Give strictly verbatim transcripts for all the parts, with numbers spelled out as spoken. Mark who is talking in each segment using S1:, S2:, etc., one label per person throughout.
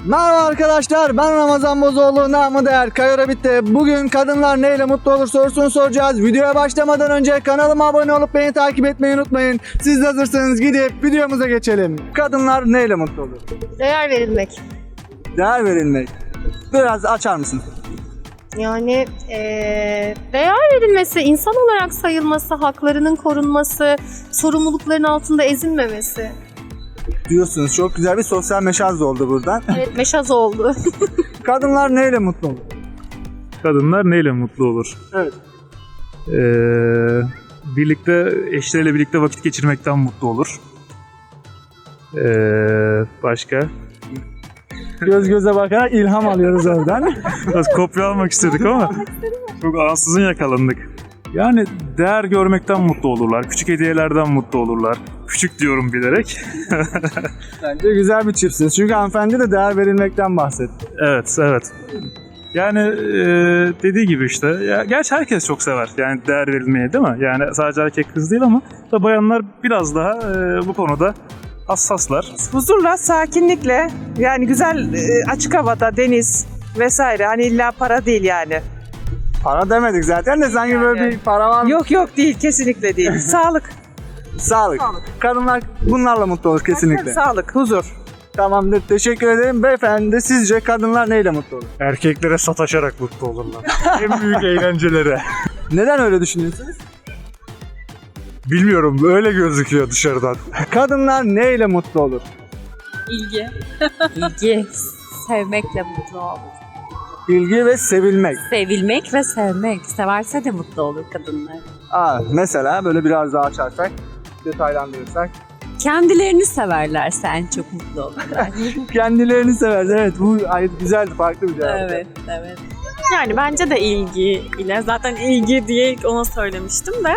S1: Merhaba arkadaşlar, ben Ramazan Bozoğlu, namı değer Kayora bitti. Bugün kadınlar neyle mutlu olur sorusunu soracağız. Videoya başlamadan önce kanalıma abone olup beni takip etmeyi unutmayın. Siz de hazırsanız gidip videomuza geçelim. Kadınlar neyle mutlu olur?
S2: Değer verilmek.
S1: Değer verilmek. Biraz açar mısın?
S2: Yani eee, değer verilmesi, insan olarak sayılması, haklarının korunması, sorumlulukların altında ezilmemesi.
S1: Diyorsunuz, çok güzel bir sosyal meşaz oldu buradan.
S2: Evet, meşaz oldu.
S1: Kadınlar neyle mutlu olur?
S3: Kadınlar neyle mutlu olur?
S1: Evet.
S3: Ee, birlikte, eşleriyle birlikte vakit geçirmekten mutlu olur. Ee, başka?
S1: Göz göze bakarak ilham alıyoruz oradan.
S3: Biraz kopya almak istedik ama çok ansızın yakalandık. Yani değer görmekten mutlu olurlar. Küçük hediyelerden mutlu olurlar. Küçük diyorum bilerek.
S1: Bence güzel bir çiftsiniz. Çünkü hanımefendi de değer verilmekten bahsetti.
S3: Evet, evet. Yani e, dediği gibi işte. Ya, gerçi herkes çok sever. Yani değer verilmeyi, değil mi? Yani sadece erkek kız değil ama da bayanlar biraz daha e, bu konuda hassaslar.
S4: Huzurla, sakinlikle, yani güzel e, açık havada, deniz vesaire. Hani illa para değil yani.
S1: Para demedik zaten de sanki böyle bir para var mı?
S4: Yok yok değil, kesinlikle değil. Sağlık.
S1: Sağlık. Kadınlar bunlarla mutlu olur kesinlikle.
S4: Sağlık, huzur.
S1: Tamamdır. Teşekkür ederim. Beyefendi, sizce kadınlar neyle mutlu olur?
S3: Erkeklere sataşarak mutlu olurlar. En büyük eğlencelere.
S1: Neden öyle düşünüyorsunuz?
S3: Bilmiyorum, öyle gözüküyor dışarıdan.
S1: Kadınlar neyle mutlu olur?
S5: İlgi. İlgi. Sevmekle mutlu olur.
S1: İlgi ve sevilmek.
S5: Sevilmek ve sevmek. Severse de mutlu olur kadınlar.
S1: Aa, mesela böyle biraz daha açarsak, detaylandırırsak.
S5: Kendilerini severlerse en çok mutlu olurlar.
S1: Kendilerini sever. Evet, bu ay güzeldi, farklı bir cevap.
S5: evet, evet.
S6: Yani bence de ilgi ile zaten ilgi diye ilk ona söylemiştim de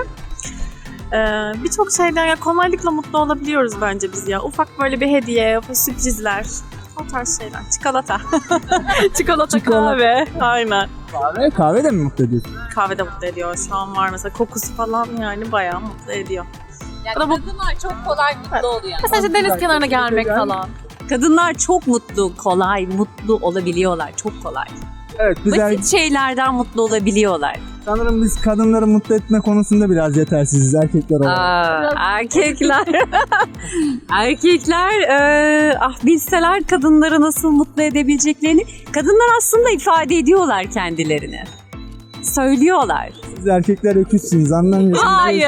S6: ee, birçok şeyden ya kolaylıkla mutlu olabiliyoruz bence biz ya. Ufak böyle bir hediye, sürprizler, o tarz şeyler. Çikolata. Çikolata, kahve. Aynen.
S1: Kahve, kahve de mi mutlu ediyorsun?
S6: Kahve de mutlu ediyor. Şu an var mesela kokusu falan yani bayağı mutlu ediyor.
S5: Yani
S6: Ama bu-
S5: kadınlar çok kolay mutlu oluyor.
S6: Mesela işte deniz kenarına gelmek falan.
S5: Kadınlar çok mutlu, kolay, mutlu olabiliyorlar. Çok kolay.
S1: Evet, güzel.
S5: Basit şeylerden mutlu olabiliyorlar.
S1: Sanırım biz kadınları mutlu etme konusunda biraz yetersiziz erkekler olarak.
S5: Aa, erkekler erkekler e, ah bilseler kadınları nasıl mutlu edebileceklerini, kadınlar aslında ifade ediyorlar kendilerini. Söylüyorlar.
S1: Siz erkekler öküzsünüz, anlamıyorsunuz.
S5: Hayır.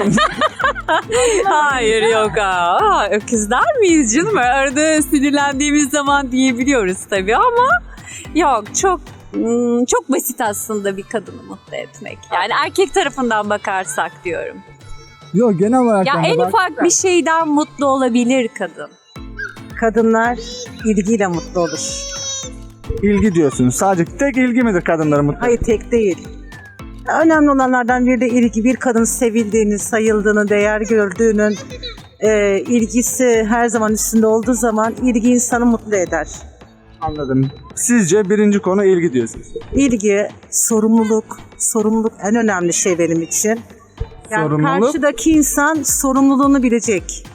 S5: Hayır yok aa. Öküzler miyiz canım? Arada sinirlendiğimiz zaman diyebiliyoruz tabii ama yok, çok hmm, çok basit aslında bir kadını mutlu etmek. Yani erkek tarafından bakarsak diyorum.
S1: Yok, genel olarak.
S5: Ya
S1: ben de
S5: en
S1: bak-
S5: ufak bir şeyden mutlu olabilir kadın.
S4: Kadınlar ilgiyle mutlu olur.
S1: İlgi diyorsunuz. Sadece tek ilgi midir kadınları mutlu?
S4: Hayır, tek değil. Önemli olanlardan biri de ilgi. Bir kadın sevildiğini, sayıldığını, değer gördüğünün e, ilgisi her zaman üstünde olduğu zaman ilgi insanı mutlu eder.
S1: Anladım. Sizce birinci konu ilgi diyorsunuz.
S4: İlgi, sorumluluk. Sorumluluk en önemli şey benim için. Yani
S1: Sorumluluk?
S4: karşıdaki insan sorumluluğunu bilecek.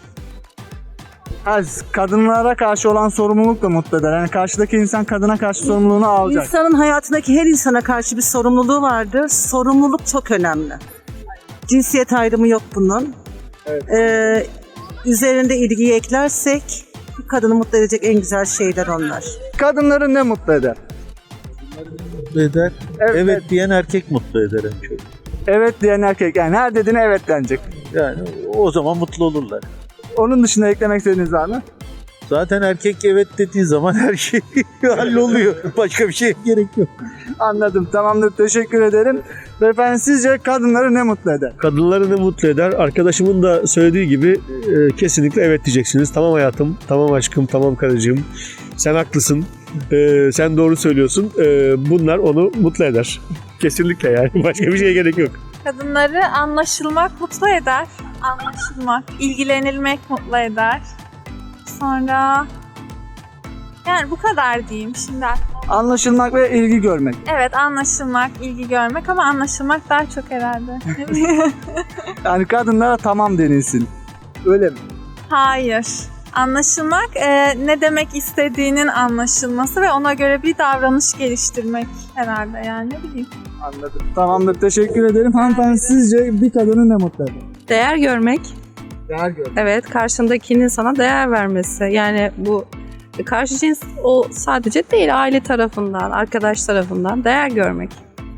S1: Ha, kadınlara karşı olan sorumluluk da mutlu eder. Yani karşıdaki insan kadına karşı sorumluluğunu alacak.
S4: İnsanın hayatındaki her insana karşı bir sorumluluğu vardır. Sorumluluk çok önemli. Cinsiyet ayrımı yok bunun.
S1: Evet.
S4: Ee, üzerinde ilgiyi eklersek bir kadını mutlu edecek en güzel şeyler onlar.
S1: Kadınları ne mutlu eder?
S7: Mutlu eder.
S1: Evet,
S7: Evet,
S1: evet.
S7: diyen erkek mutlu eder en çok.
S1: Evet diyen erkek. Yani her dediğine evet denecek.
S7: Yani o zaman mutlu olurlar.
S1: Onun dışında eklemek istediğiniz var mı?
S7: Zaten erkek evet dediği zaman her şey halloluyor. Başka bir şeye gerek yok.
S1: Anladım. Tamamdır. Teşekkür ederim. Beyefendi, sizce kadınları ne mutlu eder?
S8: Kadınları ne mutlu eder? Arkadaşımın da söylediği gibi e, kesinlikle evet diyeceksiniz. Tamam hayatım, tamam aşkım, tamam karıcığım. Sen haklısın, e, sen doğru söylüyorsun. E, bunlar onu mutlu eder. Kesinlikle yani. Başka bir şeye gerek yok.
S6: Kadınları anlaşılmak mutlu eder. Anlaşılmak, ilgilenilmek mutlu eder. Sonra yani bu kadar diyeyim şimdi.
S1: Anlaşılmak ve ilgi görmek.
S6: Evet, anlaşılmak, ilgi görmek ama anlaşılmak daha çok herhalde.
S1: Yani kadınlara tamam denilsin. Öyle mi?
S6: Hayır. Anlaşılmak, e, ne demek istediğinin anlaşılması ve ona göre bir davranış geliştirmek herhalde yani ne bileyim.
S1: Anladım. Tamamdır. Teşekkür ederim. Hanımefendi sizce bir kadını ne mutlu eder?
S9: Değer görmek,
S1: Değer gör.
S9: evet karşındakinin sana değer vermesi. Yani bu karşı cins o sadece değil, aile tarafından, arkadaş tarafından değer görmek.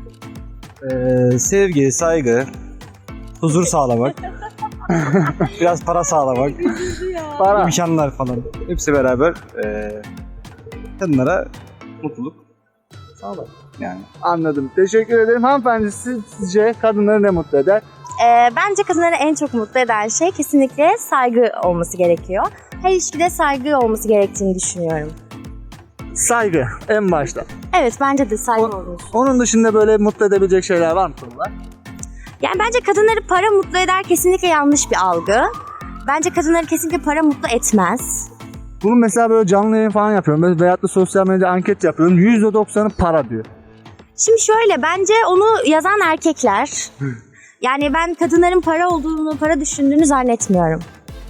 S10: Ee, sevgi, saygı, huzur sağlamak, biraz para sağlamak,
S1: Para.
S10: imkanlar falan. Hepsi beraber e, kadınlara mutluluk sağlar. Yani.
S1: Anladım. Teşekkür ederim. Hanımefendi siz, sizce kadınları ne mutlu eder?
S11: Ee, bence kadınları en çok mutlu eden şey kesinlikle saygı olması gerekiyor. Her ilişkide saygı olması gerektiğini düşünüyorum.
S1: Saygı en başta.
S11: Evet, bence de saygı
S1: O-
S11: olur.
S1: Onun dışında böyle mutlu edebilecek şeyler var mı konular?
S11: Yani bence kadınları para mutlu eder kesinlikle yanlış bir algı. Bence kadınları kesinlikle para mutlu etmez.
S1: Bunu mesela böyle canlı yayın falan yapıyorum. Böyle veyahut da sosyal medyada anket yapıyorum. yüzde doksanı para diyor.
S11: Şimdi şöyle, bence onu yazan erkekler. Yani ben kadınların para olduğunu, para düşündüğünü zannetmiyorum.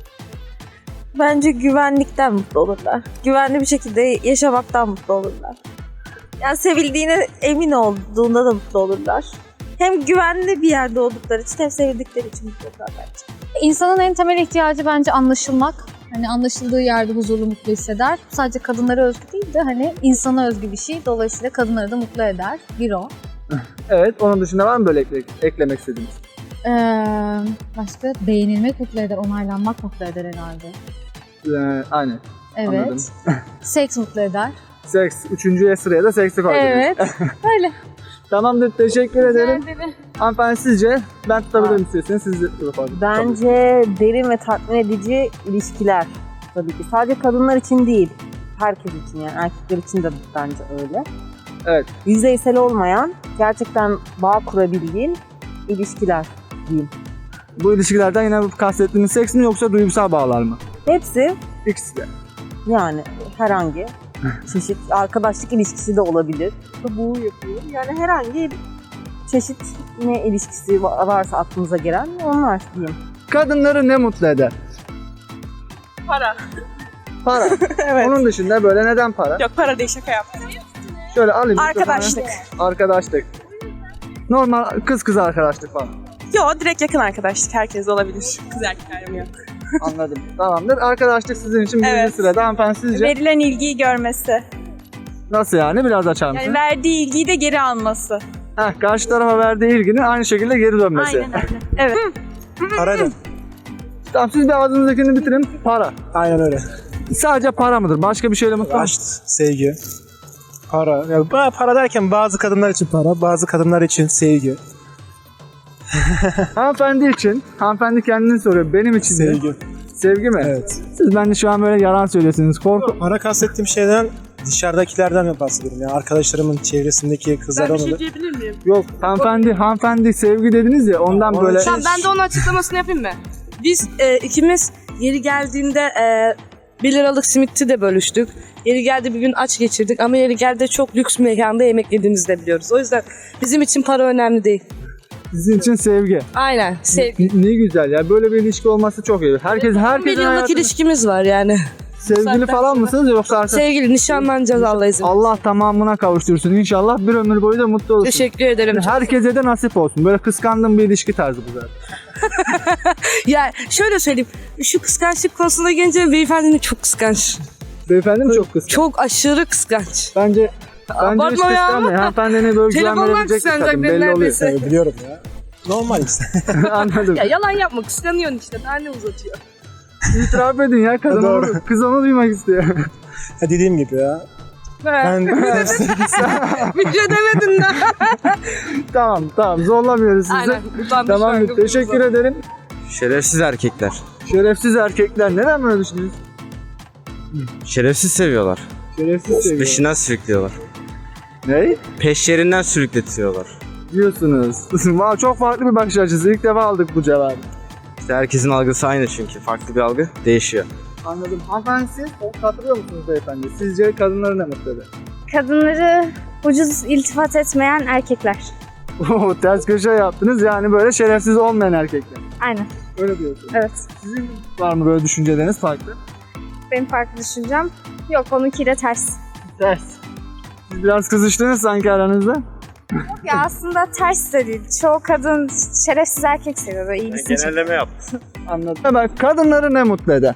S9: Bence güvenlikten mutlu olurlar. Güvenli bir şekilde yaşamaktan mutlu olurlar. Yani sevildiğine emin olduğunda da mutlu olurlar. Hem güvenli bir yerde oldukları için hem sevildikleri için mutlu olurlar bence.
S2: İnsanın en temel ihtiyacı bence anlaşılmak. Hani anlaşıldığı yerde huzurlu, mutlu hisseder. Sadece kadınlara özgü değil de hani insana özgü bir şey. Dolayısıyla kadınları da mutlu eder. Bir o.
S1: Evet. Onun dışında var mı böyle ekle- eklemek istediğiniz?
S2: Ee, başka beğenilmek mutlu eder, onaylanmak mutlu eder herhalde.
S1: Ee, aynen.
S2: Evet.
S1: Anladım.
S2: Seks mutlu eder.
S1: Seks. Üçüncüye sıraya da seksi koydunuz.
S2: Evet. Öyle.
S1: Tamamdır. Teşekkür ederim.
S2: Rica ederim.
S1: Hanımefendi sizce? Ben tutabilirim istiyorsanız siz de yapalım.
S4: Bence derin ve tatmin edici ilişkiler tabii ki. Sadece kadınlar için değil, herkes için yani erkekler için de bence öyle.
S1: Evet.
S4: Yüzeysel olmayan, gerçekten bağ kurabildiğin ilişkiler diyeyim.
S1: Bu ilişkilerden yine bu kastettiğiniz seks mi yoksa duygusal bağlar mı?
S4: Hepsi
S1: İkisi de.
S4: yani herhangi çeşit arkadaşlık ilişkisi de olabilir. Bu yapıyor. Yani herhangi bir çeşit ne ilişkisi varsa aklınıza gelen onlar diyeyim.
S1: Kadınları ne mutlu eder?
S6: Para.
S1: Para.
S6: Evet.
S1: Onun dışında böyle neden para?
S6: Yok, para değil, şaka yaptım.
S1: Şöyle alayım.
S6: Arkadaşlık.
S1: mikrofonu. Arkadaşlık. Normal kız kız arkadaşlık falan.
S6: Yok, direkt yakın arkadaşlık, herkes olabilir. Kız erkek ayrımı yok.
S1: Anladım. Tamamdır. Arkadaşlık sizin için birinci
S6: Evet.
S1: sırada. Hanımefendi sizce?
S6: Verilen ilgiyi görmesi.
S1: Nasıl yani? Biraz açar mısın?
S6: Yani verdiği ilgiyi de geri alması.
S1: Heh, karşı tarafa verdiği ilginin aynı şekilde geri dönmesi.
S6: Aynen öyle. Evet.
S10: Para da.
S1: Tamam siz bir ağzınızdakini bitirin. Para.
S10: Aynen öyle.
S1: Sadece para mıdır? Başka bir şeyle mutlu musun?
S10: Aşk, sevgi, para. Yani ba- para derken bazı kadınlar için para, bazı kadınlar için sevgi.
S1: Hanımefendi için. Hanımefendi kendini soruyor. Benim için de.
S10: Sevgi.
S1: Sevgi mi?
S10: Evet.
S1: Siz bence şu an böyle yalan söylüyorsunuz. Korku.
S10: Para kastettiğim şeyden dışarıdakilerden bahsediyorum. Yani arkadaşlarımın çevresindeki kızlardan olur.
S6: diyebilir miyim?
S1: Yok hanımefendi, hanımefendi sevgi dediniz ya ondan
S10: Onun
S1: böyle.
S10: için-
S6: Ben de onun açıklamasını yapayım mı?
S9: Biz e, ikimiz yeri geldiğinde e, bir liralık simiti de bölüştük. Yeri geldi bir gün aç geçirdik ama yeri geldi çok lüks mekanda yemek yediğimizi de biliyoruz. O yüzden bizim için para önemli değil.
S1: Sizin için sevgi.
S9: Aynen. Sevgi.
S1: Ne, ne güzel ya. Böyle bir ilişki olması çok iyi. Herkes
S9: Bir
S1: herkesin
S9: yıllık
S1: hayatında
S9: ilişkimiz var yani.
S1: sevgili falan mısınız yoksa arkadaş?
S9: Sevgili nişanlanacağız Allah izin.
S1: Allah tamamına kavuştursun inşallah. Bir ömür boyu da mutlu olursun.
S9: Teşekkür ederim.
S1: Herkese de nasip olsun. Böyle kıskandığım bir ilişki tarzı bu zaten.
S9: Ya şöyle söyleyeyim. Şu kıskançlık konusuna gelince beyefendinin çok kıskanç.
S1: Beyefendi mi çok kıskanç?
S9: Çok aşırı kıskanç.
S1: Bence Bence hiç
S9: Abartma ya.
S1: kıskanmayın. Hanımefendine böyle güven
S9: Telefondan
S1: verebilecek bir
S9: kıskanacak
S1: kadın.
S9: beni
S1: Belli oluyor.
S9: neredeyse.
S10: Evet, biliyorum ya. Normal işte.
S1: Anladım.
S9: Ya yalan yapma, kıskanıyorsun işte. Daha ne uzatıyor?
S1: İtiraf edin ya. Kadın
S10: Doğru.
S1: onu, kız onu duymak istiyor.
S10: Ha, dediğim gibi ya. Ben
S9: Bir şey demedin de.
S1: tamam tamam zorlamıyoruz sizi.
S9: Aynen. Utanmış
S1: Tamam
S9: şarkı
S1: teşekkür
S9: buldu.
S1: ederim.
S12: Şerefsiz erkekler.
S1: Şerefsiz erkekler neden böyle düşünüyorsunuz?
S12: Şerefsiz seviyorlar.
S1: Şerefsiz seviyor.
S12: Peşinden sürüklüyorlar.
S1: Ne?
S12: Peşlerinden sürükletiyorlar.
S1: Diyorsunuz. Vay, çok farklı bir bakış açısı. İlk defa aldık bu cevabı.
S12: İşte herkesin algısı aynı çünkü. Farklı bir algı değişiyor.
S1: Anladım. Hanımefendi siz katılıyor musunuz beyefendi? Sizce kadınları ne mutlu eder?
S11: Kadınları ucuz iltifat etmeyen erkekler.
S1: Oo, ters köşe yaptınız yani böyle şerefsiz olmayan erkekler.
S11: Aynen.
S1: Öyle diyorsunuz.
S11: Evet.
S1: Sizin var mı böyle düşünceleriniz farklı?
S9: benim farklı düşüncem. Yok, onunkiyle ters.
S1: Ters. Siz biraz kızıştınız sanki aranızda.
S9: Ya aslında ters de değil. Çoğu kadın şerefsiz erkek seviyor. Böyle ilgisini
S7: Genelleme yaptım.
S1: Anladım. Hemen kadınları ne mutlu eder?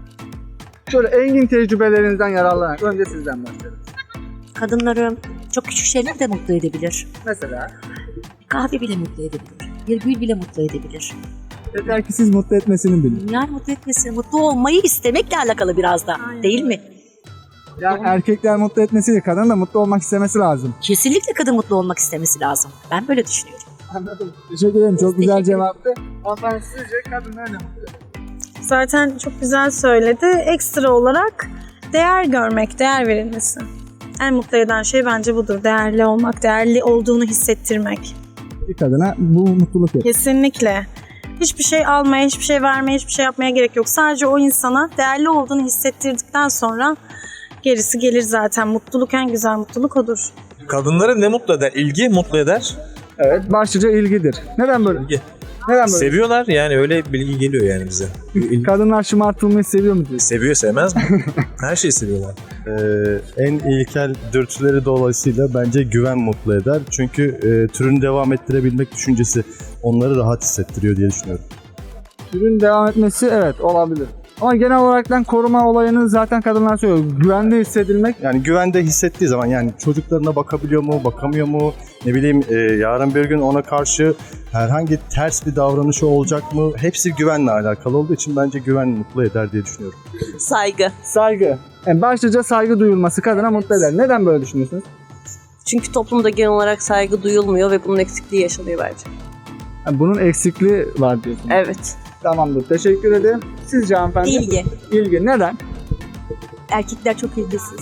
S1: Şöyle engin tecrübelerinizden yararlanarak önce sizden başlayalım.
S13: Kadınları çok küçük şeyler de mutlu edebilir.
S1: Mesela?
S13: Kahve bile mutlu edebilir. Bir gül bile mutlu edebilir.
S1: Yeter ki siz mutlu etmesini bilin.
S13: Yani mutlu etmesi, mutlu olmayı istemekle alakalı biraz da. Değil mi?
S1: Yani erkekler mutlu etmesiyle kadın da mutlu olmak istemesi lazım.
S13: Kesinlikle kadın mutlu olmak istemesi lazım. Ben böyle düşünüyorum.
S1: Anladım. Teşekkür ederim. Çok güzel cevaptı. Hanımefendi sizce kadınlar ne mutlu eder?
S6: Zaten çok güzel söyledi. Ekstra olarak değer görmek, değer verilmesi. En mutlu eden şey bence budur. Değerli olmak, değerli olduğunu hissettirmek.
S1: Bir kadına bu mutluluk verir.
S6: Kesinlikle. Hiçbir şey almaya, hiçbir şey vermeye, hiçbir şey yapmaya gerek yok. Sadece o insana değerli olduğunu hissettirdikten sonra gerisi gelir zaten. Mutluluk, en güzel mutluluk odur.
S7: Kadınları ne mutlu eder? İlgi mutlu eder.
S1: Evet. Başlıca ilgidir. Neden böyle?
S7: İlgi.
S1: Neden böyle?
S7: Seviyorlar yani, öyle bilgi geliyor yani bize. İlgi.
S1: Kadınlar şımartılmayı seviyor mu diyorsun?
S7: Seviyor, sevmez mi? Her şeyi seviyorlar.
S14: Ee, en ilkel dürtüleri dolayısıyla bence güven mutlu eder. Çünkü e, türünü devam ettirebilmek düşüncesi onları rahat hissettiriyor diye düşünüyorum.
S1: Türün devam etmesi evet olabilir. Ama genel olaraktan koruma olayını zaten kadınlar söylüyor. Güvende hissedilmek.
S14: Yani güvende hissettiği zaman, yani çocuklarına bakabiliyor mu, bakamıyor mu, ne bileyim e, yarın bir gün ona karşı herhangi ters bir davranışı olacak mı? Hepsi güvenle alakalı olduğu için bence güven mutlu eder diye düşünüyorum.
S5: Saygı.
S1: Saygı. Yani başlıca saygı duyulması kadına mutlu eder. Neden böyle düşünüyorsunuz?
S5: Çünkü toplumda genel olarak saygı duyulmuyor ve bunun eksikliği yaşanıyor bence.
S1: Yani bunun eksikliği var diyorsunuz.
S5: Evet.
S1: Tamamdır. Teşekkür ederim. Sizce hanımefendi?
S5: İlgi.
S1: İlgi. Neden?
S5: Erkekler çok ilgisiz.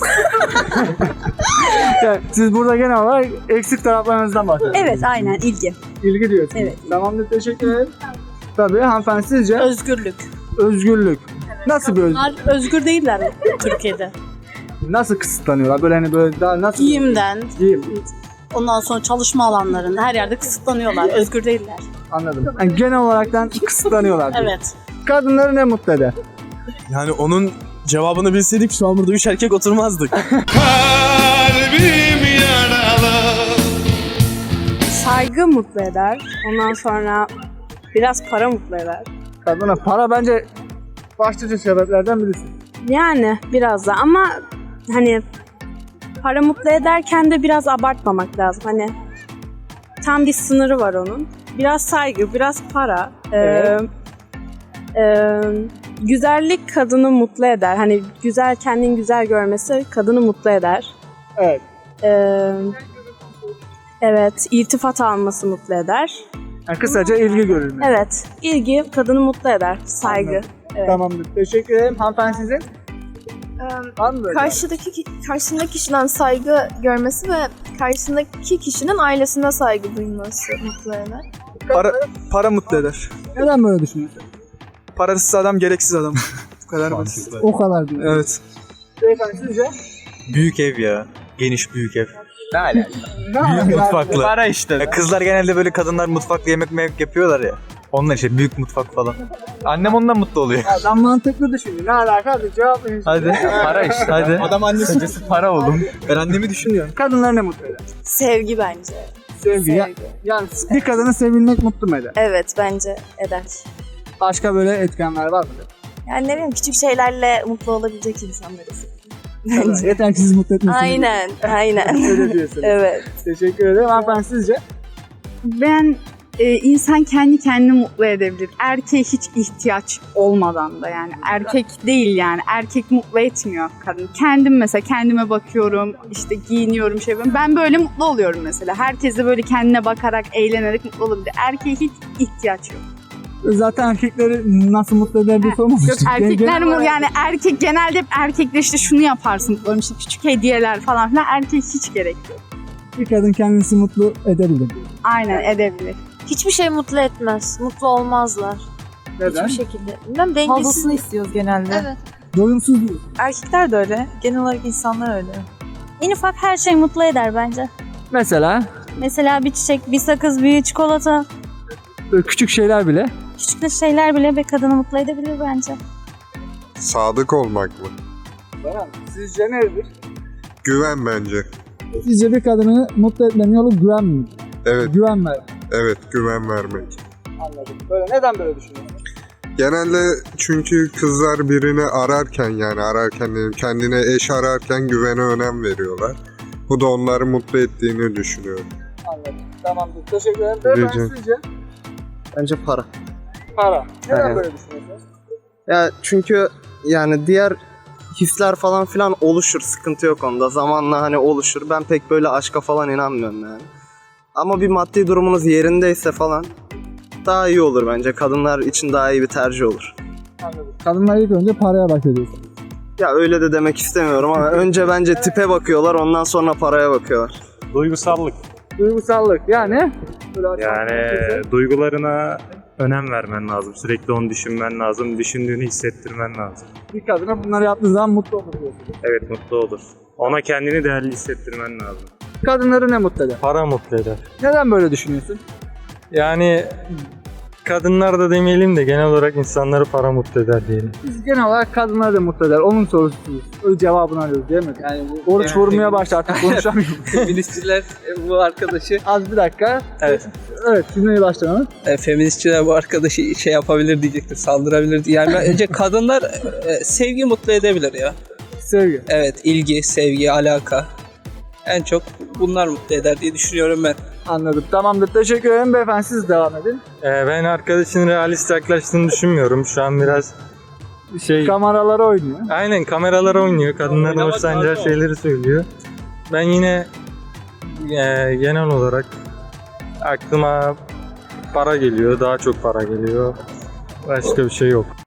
S1: Yani siz burada genel olarak eksik taraflarınızdan bahsediyorsunuz.
S5: Evet, aynen ilgi.
S1: İlgi diyorsunuz.
S5: Evet.
S1: Tamamdır. Teşekkür ederim. Tabii hanımefendi sizce?
S5: Özgürlük.
S1: Özgürlük. Nasıl bir özgürlük?
S6: Bunlar özgür değiller mi Türkiye'de?
S1: Nasıl kısıtlanıyorlar? Böyle hani böyle daha nasıl?
S6: Giyimden,
S1: Giyim.
S6: ondan sonra çalışma alanlarında her yerde kısıtlanıyorlar. Özgür değiller.
S1: Anladım. Yani genel olaraktan kısıtlanıyorlar. diyor.
S6: Evet.
S1: Kadınları ne mutlu eder?
S7: Yani onun cevabını bilseydik şu an burada üç erkek oturmazdık.
S9: Saygı mutlu eder. Ondan sonra biraz para mutlu eder.
S1: Kadına para bence başlıca sebeplerden birisi.
S9: Yani biraz da ama hani para mutlu ederken de biraz abartmamak lazım. Hani tam bir sınırı var onun. Biraz saygı, biraz para.
S1: Evet.
S9: Ee, e, güzellik kadını mutlu eder. Hani güzel, kendini güzel görmesi kadını mutlu eder.
S1: Evet.
S9: Ee, evet, iltifat alması mutlu eder.
S1: Yani kısaca ilgi görülmesi.
S9: Evet, ilgi kadını mutlu eder. Saygı.
S1: Anladım.
S9: Evet.
S1: Tamamdır. Teşekkür ederim. Hanımefendi sizin? Var mı böyle?
S15: Karşıdaki karşısındaki kişiden saygı görmesi ve karşısındaki kişinin ailesine saygı duyması mutlu eder.
S16: Para, para mutlu eder.
S1: Neden böyle düşünüyorsun?
S16: Parasız adam gereksiz adam. Bu kadar basit.
S1: O kadar değil.
S16: Evet.
S1: Beyefendi sizce?
S7: Büyük ev ya. Geniş büyük ev.
S16: Ne alaka?
S7: Büyük mutfaklı.
S16: Para işte.
S7: Ya kızlar genelde böyle, kadınlar mutfakta yemek memek yapıyorlar ya. Onlar işte büyük mutfak falan. Annem ondan mutlu oluyor.
S1: Adam mantıklı düşünüyor. Ne alaka? Hadi cevap verin.
S7: Hadi. Para işte. Hadi.
S16: Adam annesi.
S7: Para oğlum.
S16: Ben annemi düşünüyorum.
S1: Kadınlar ne mutlu eder?
S9: Sevgi bence.
S1: Sevgi. Ya- Yani bir kadını sevilmek mutlu mu eder?
S9: Evet, bence eder.
S1: Başka böyle etkenler var mı?
S9: Yani ne bileyim, küçük şeylerle mutlu olabilecek insanları seviyorum.
S1: Yeter ki siz mutlu etmesiniz.
S9: Aynen, aynen.
S1: Öyle diyorsunuz.
S9: Evet.
S1: Teşekkür ederim. Hanımefendi sizce?
S17: Ben e, insan kendi kendini mutlu edebilir. Erkeğe hiç ihtiyaç olmadan da, yani erkek değil, yani erkek mutlu etmiyor kadın. Kendim mesela kendime bakıyorum, işte giyiniyorum, şey yapıyorum. Ben böyle mutlu oluyorum mesela. Herkes de böyle kendine bakarak, eğlenerek mutlu olabilir. Erkeğe hiç ihtiyaç yok.
S1: Zaten erkekleri nasıl mutlu eder diye sormamıştık.
S17: Yok, erkekler
S1: Genel
S17: mu
S1: olarak-
S17: yani erkek genelde hep erkekler işte şunu yaparsın mutlu olurum, işte küçük hediyeler falan filan, erkek hiç gerek yok.
S1: Bir kadın kendisi mutlu edebilir.
S17: Aynen, edebilir.
S15: Hiçbir şey mutlu etmez. Mutlu olmazlar.
S1: Neden?
S15: Hiçbir şekilde. Bilmem, dengesiz.
S6: Fazlasını istiyoruz genelde.
S15: Evet.
S1: Doyumsuz değil.
S6: Erkekler de öyle. Genel olarak insanlar öyle.
S11: En ufak her şey mutlu eder bence.
S1: Mesela
S11: Mesela bir çiçek, bir sakız, bir çikolata.
S1: böyle küçük şeyler bile.
S11: Küçük şeyler bile bir kadını mutlu edebilir bence.
S18: Sadık olmak mı?
S1: Baran, sizce nedir?
S18: Güven bence.
S1: Sizce bir kadını mutlu etmenin yolu güven mi?
S18: Evet.
S1: Güven ver.
S18: Evet, güven vermek.
S1: Anladım. Böyle neden böyle düşünüyorsun?
S18: Genelde çünkü kızlar birini ararken yani ararken dedim, kendine eş ararken güvene önem veriyorlar. Bu da onları mutlu ettiğini düşünüyorum.
S1: Anladım. Tamamdır. Teşekkür ederim. Beyefendi
S18: Rica-
S1: sizce?
S12: Bence para.
S1: Para. Neden
S12: Evet.
S1: böyle düşünüyorsunuz?
S12: Ya çünkü yani diğer hisler falan filan oluşur. Sıkıntı yok onda. Zamanla hani oluşur. Ben pek böyle aşka falan inanmıyorum yani. Ama bir maddi durumunuz yerindeyse falan daha iyi olur bence. Kadınlar için daha iyi bir tercih olur.
S1: Anladım. Kadınlar ilk önce paraya bakıyorsun.
S12: Ya öyle de demek istemiyorum ama önce bence tipe bakıyorlar, ondan sonra paraya bakıyorlar.
S3: Duygusallık.
S1: Duygusallık yani?
S3: Yani duygularına önem vermen lazım. Sürekli onu düşünmen lazım. Düşündüğünü hissettirmen lazım.
S1: Bir kadına bunları yaptığı zaman mutlu olur diyorsun.
S3: Evet, mutlu olur. Ona kendini değerli hissettirmen lazım.
S1: Kadınları ne mutlu eder?
S10: Para mutlu eder.
S1: Neden böyle düşünüyorsun?
S10: Yani kadınlar da demeyelim de genel olarak insanları para mutlu eder diyelim.
S1: Biz genel olarak kadınları da mutlu eder. Onun sorususunuz. Öyle cevabını arıyoruz değil mi? Yani bu oruç
S19: Yani-
S1: vurmaya başladı artık konuşamıyorum.
S19: Feministçiler bu arkadaşı...
S1: Az bir dakika.
S19: Evet.
S1: Evet, cümleyi başlayalım.
S19: E, feministçiler bu arkadaşı şey yapabilir diyecektir, saldırabilir diye. Yani bence kadınlar e, sevgi mutlu edebilir ya.
S1: Sevgi.
S19: Evet, ilgi, sevgi, alaka. En çok bunlar mutlu eder diye düşünüyorum ben.
S1: Anladım. Tamamdır. Teşekkür ederim. Beyefendi siz devam edin.
S10: Ee, ben arkadaşın realist yaklaştığını düşünmüyorum. Şu an biraz şey...
S1: Kameralara oynuyor.
S10: Aynen, kameralara oynuyor. Kadınların
S19: Oynamak
S10: hoşlanacağı
S19: lazım.
S10: şeyleri söylüyor. Ben yine e, genel olarak aklıma para geliyor. Daha çok para geliyor. Başka bir şey yok.